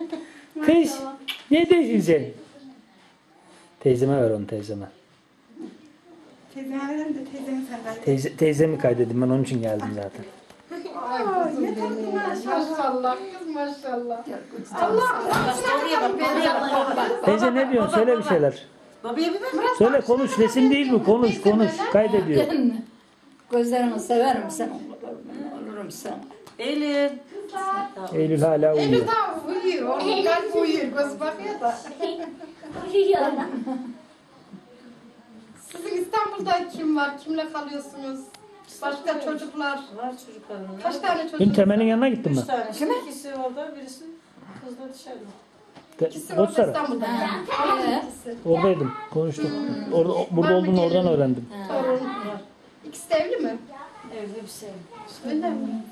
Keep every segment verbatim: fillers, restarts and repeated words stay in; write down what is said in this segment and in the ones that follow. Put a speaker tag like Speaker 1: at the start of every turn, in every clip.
Speaker 1: Teyze, ne değilsin? Teyzeme ver onu teyzeme.
Speaker 2: Teyzeme verelim de teyzemi sen ver.
Speaker 1: Teyze, teyzemi kaydedim ben onun için geldim zaten.
Speaker 2: Aa, ne tatlı maşallah. Kız maşallah. Allah Allah.
Speaker 1: Teyze ne diyorsun? Söyle bir şeyler.
Speaker 2: Babaya bir ver.
Speaker 1: Söyle konuş. Resim değil mi? Konuş konuş. Kaydediyor.
Speaker 3: Gözlerimi severim sen. Olurum sen.
Speaker 2: Eylül.
Speaker 1: Eylül hala
Speaker 2: Eylül
Speaker 1: uyuyor.
Speaker 2: daha uyuyor. Onun kalbi uyuyor. Göz bakıyor da. Sizin İstanbul'da kim var? Kimle kalıyorsunuz? Başka çocuklar.
Speaker 4: Var çocuklarım.
Speaker 2: Kaç tane çocuk?
Speaker 1: Dün Temel'in yanına gittin mi?
Speaker 4: Üç tane. Kime? İkisi orada, birisi kızla dışarıda.
Speaker 1: Te-
Speaker 2: İkisi orada
Speaker 1: Botsara.
Speaker 2: İstanbul'da. Tamam ikisi.
Speaker 1: Oradaydım. Konuştuk. Orada, burada olduğunu oradan öğrendim.
Speaker 2: Torun. İkisi de evli mi?
Speaker 4: Evde bir şey.
Speaker 2: Öyle mi?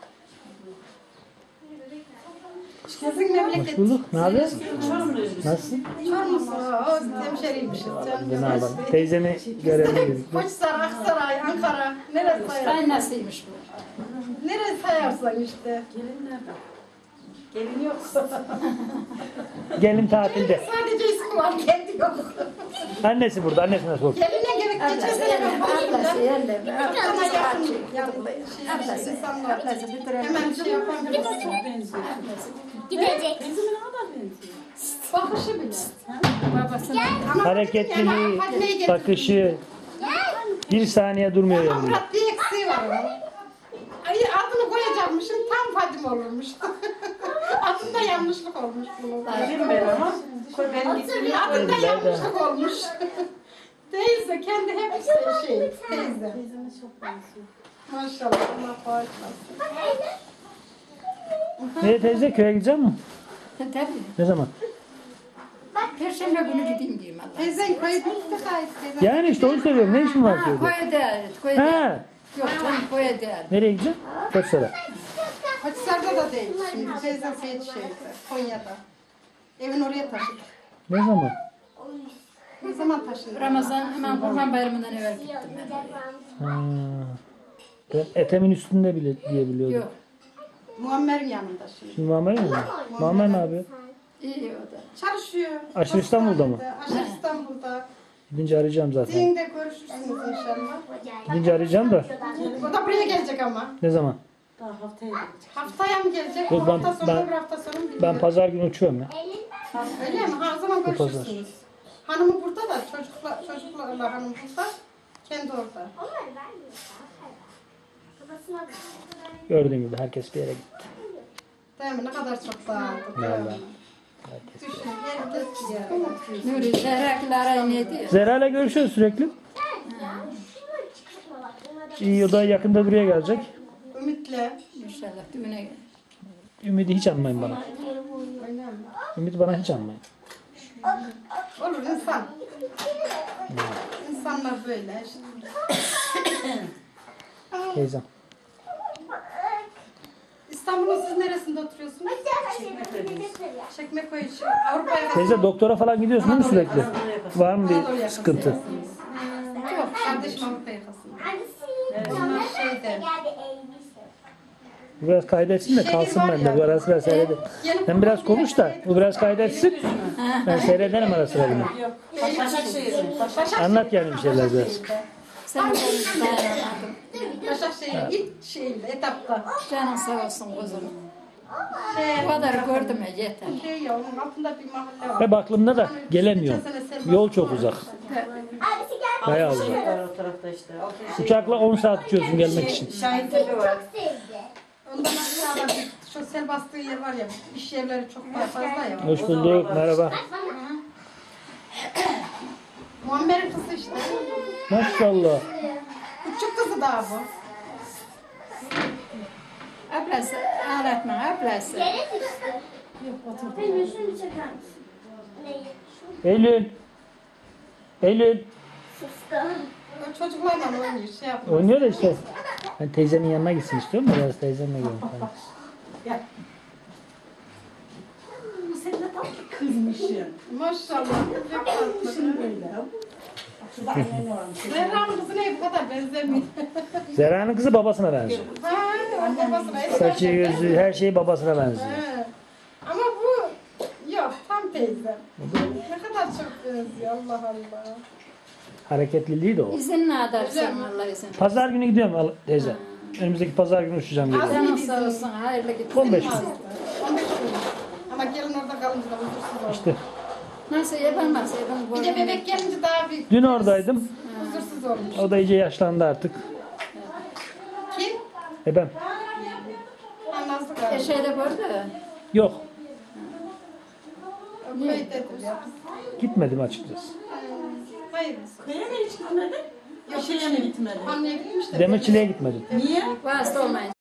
Speaker 2: Sizin memleket.
Speaker 1: Hoş bulduk. Ne yapıyorsun?
Speaker 4: Çorumluyuz biz.
Speaker 1: Nasılsın?
Speaker 2: Çorumlusun. O hemşeriymişiz.
Speaker 1: Ne yapalım? Teyzeni görelim.
Speaker 2: Koçsaray, Aksaray, Ankara. Neresi sayar?
Speaker 3: Kaynasıymış bu.
Speaker 2: Neresi sayarsan işte.
Speaker 4: Gelin nerede? Gelin yok.
Speaker 1: Gelin tatilde.
Speaker 2: Sadece ismi var, kendi yok.
Speaker 1: Annesi burada. Annesine sor.
Speaker 2: Geline gerek geçen
Speaker 3: Ablası
Speaker 2: sene ben
Speaker 3: yerle, ablası
Speaker 2: koyunca.
Speaker 3: yerle.
Speaker 2: Ama
Speaker 3: Ablası
Speaker 2: yakın,
Speaker 3: kaçıyor.
Speaker 2: yakın.
Speaker 3: Ablası,
Speaker 2: Şey, insanlar
Speaker 3: ablası bir tane.
Speaker 2: hemen şey yapabilir.
Speaker 4: Çok benziyor.
Speaker 5: Gidecek.
Speaker 4: Benzime ne kadar benziyor?
Speaker 2: Bakışı bile.
Speaker 3: Babasına.
Speaker 2: Ama
Speaker 1: Hareketliliği,
Speaker 2: Fadime'yi getirdim.
Speaker 1: bakışı. Bir saniye durmuyor
Speaker 2: Ama
Speaker 1: yanında.
Speaker 2: Murat bir eksiği var onun. Ay, adını koyacakmışım, tam Fadime olurmuş. Adında yanlışlık olmuş bunun.
Speaker 4: Gelin ben ama. Koy ben gittim.
Speaker 2: Adında yanlışlık olmuş. Teyze, kendi hep şey, teyze.
Speaker 4: Teyzeme çok benziyor.
Speaker 2: Maşallah, Allah bağışlasın.
Speaker 1: Nereye teyze? Köye gidecek misin?
Speaker 3: Tabii.
Speaker 1: Ne zaman?
Speaker 3: Perşembe günü gideyim diyeyim Allah.
Speaker 2: Teyzen koyu bitti gayet teyze.
Speaker 1: Yani işte onu söylüyorum. Ne işin var
Speaker 3: Ha,
Speaker 1: köyde?
Speaker 3: koya değer. Koya değer.
Speaker 1: Ha.
Speaker 3: Yok canım koya değer.
Speaker 1: Nereye gideceksin? Koçsara.
Speaker 2: Koçsar'da da değil şimdi. Teyzem Seyit şeyde, Konya'da. Evin oraya taşıdık.
Speaker 1: Ne zaman?
Speaker 2: Ne zaman taşındı?
Speaker 3: Ramazan hemen Kurban Bayramı'ndan evvel gittim ben.
Speaker 1: Ha. Ben Ethem'in üstünde bile diye biliyordum.
Speaker 3: Yok.
Speaker 2: Muammer'in yanında şimdi.
Speaker 1: Şimdi Muammer mi? Muammer ne yapıyor?
Speaker 3: İyi o da.
Speaker 2: Çalışıyor.
Speaker 1: Aşırı İstanbul'da mı?
Speaker 2: Aşırı İstanbul'da.
Speaker 1: Gidince arayacağım zaten.
Speaker 2: Düğünde görüşürsünüz inşallah.
Speaker 1: Gidince arayacağım da.
Speaker 2: O da buraya gelecek ama.
Speaker 1: Ne zaman?
Speaker 4: Daha haftaya gidecek.
Speaker 2: Haftaya mı gelecek?
Speaker 1: Yok, ben-
Speaker 2: hafta sonu
Speaker 1: ben-
Speaker 2: bir hafta sonu mu bilmiyorum.
Speaker 1: Ben pazar günü uçuyorum ya.
Speaker 2: Öyle mi? Ha, o zaman
Speaker 1: Bu pazar.
Speaker 2: görüşürsünüz. Hanımı burada da çocukla, çocuklarla hanım burada. Kendi orada.
Speaker 1: Gördüğün gibi herkes bir yere gitti.
Speaker 2: Değil mi? Ne kadar çok dağıldı. değil mi?
Speaker 1: Vallahi. Herkes.
Speaker 2: Düşün, herkes bir yere.
Speaker 3: Nuri Zehrak'la arayı ne diyor?
Speaker 1: Zera'yla görüşüyoruz sürekli. İyi o da yakında buraya gelecek.
Speaker 2: Ümit'le.
Speaker 3: İnşallah düğüne gel.
Speaker 1: Ümidi hiç anmayın bana.
Speaker 2: Öyle mi?
Speaker 1: Ümidi bana hiç anmayın.
Speaker 2: Olur insan. İnsanlar böyle işte.
Speaker 1: Teyzem.
Speaker 2: İstanbul'un siz neresinde oturuyorsunuz? Çekmeköy için. Avrupa'ya
Speaker 1: Teyze doktora falan gidiyorsun değil mi sürekli? Var mı bir sıkıntı?
Speaker 2: Yok, kardeşim Avrupa yakasında. Onlar şeyde.
Speaker 1: Bu biraz kaydetsin de kalsın bende. Bu ara sıra seyredin. Sen biraz konuş da bu biraz kaydetsin. Ben seyrederim ara sıra bunu.
Speaker 4: Yok. Başakşehir'in. Başak.
Speaker 1: Anlat yani bir şeyler biraz.
Speaker 3: Sen de dayanamadım.
Speaker 2: Başakşehir ilk şeyinde, etapta.
Speaker 3: Canın sağ olsun kuzum.
Speaker 2: Şey,
Speaker 3: Bu kadar gördüm ya yeter.
Speaker 2: şey ya, onun altında bir mahalle var.
Speaker 1: Hep aklımda da gelemiyorum. Yol çok uzak. Bayağı uzak.
Speaker 4: Var o tarafta işte. Altı şey.
Speaker 1: Uçakla on saat uçuyorsun gelmek için.
Speaker 4: Şahintepe var.
Speaker 2: Ondan aşağıda bir şu sel bastığı yer var ya, iş yerleri çok daha fazla ya.
Speaker 1: Hoş bulduk. Merhaba.
Speaker 2: Muammer'in kızı işte.
Speaker 1: Maşallah.
Speaker 2: Küçük kızı daha bu.
Speaker 3: Ablası, ağlatma ablası.
Speaker 1: Eylül. Eylül.
Speaker 2: O çocuklarla oynuyor, şey yapıyor.
Speaker 1: Oynuyor da işte. Ben teyzemin yanına gitsin istiyorum da biraz teyzemle gelin falan.
Speaker 2: Maşallah. Çok tatlı. Zerra'nın kızı ne bu kadar benzemiyor.
Speaker 1: Zera'nın kızı babasına benziyor.
Speaker 2: Ha, o babasına.
Speaker 1: Saçı, gözü, her şeyi babasına benziyor.
Speaker 2: He. Ama bu teyzem. Ne kadar çok benziyor Allah Allah.
Speaker 1: Hareketliliği de o.
Speaker 3: İzin ne edersen Allah izin.
Speaker 1: Pazar günü gidiyorum al- teyze. Önümüzdeki pazar günü uçacağım geliyorum.
Speaker 3: Canın sağ olsun, hayırlı gitsin.
Speaker 1: on beş gün.
Speaker 2: on beş gün. Ama gelin orada kalınca da huzursuz oldu.
Speaker 1: İşte
Speaker 3: Nasıl yapamaz, yapamaz.
Speaker 2: Bir de bebek gelince daha bir
Speaker 1: dün oradaydım.
Speaker 2: huzursuz olmuş.
Speaker 1: O da iyice yaşlandı artık.
Speaker 2: Kim?
Speaker 1: Ebem.
Speaker 2: Anlasın galiba.
Speaker 3: Eşeğde burada.
Speaker 1: Yok.
Speaker 2: Öyle dedim ya.
Speaker 1: Gitmedim açıkçası.
Speaker 2: Hayırlısı.
Speaker 4: Köye mi hiç gitmedin?
Speaker 2: Yok,
Speaker 4: Şeye mi gitmedin?
Speaker 2: Anneye gitmiş de.
Speaker 1: Demirçiliğe gitmedim.
Speaker 4: Niye?
Speaker 3: Vasıta olmayın.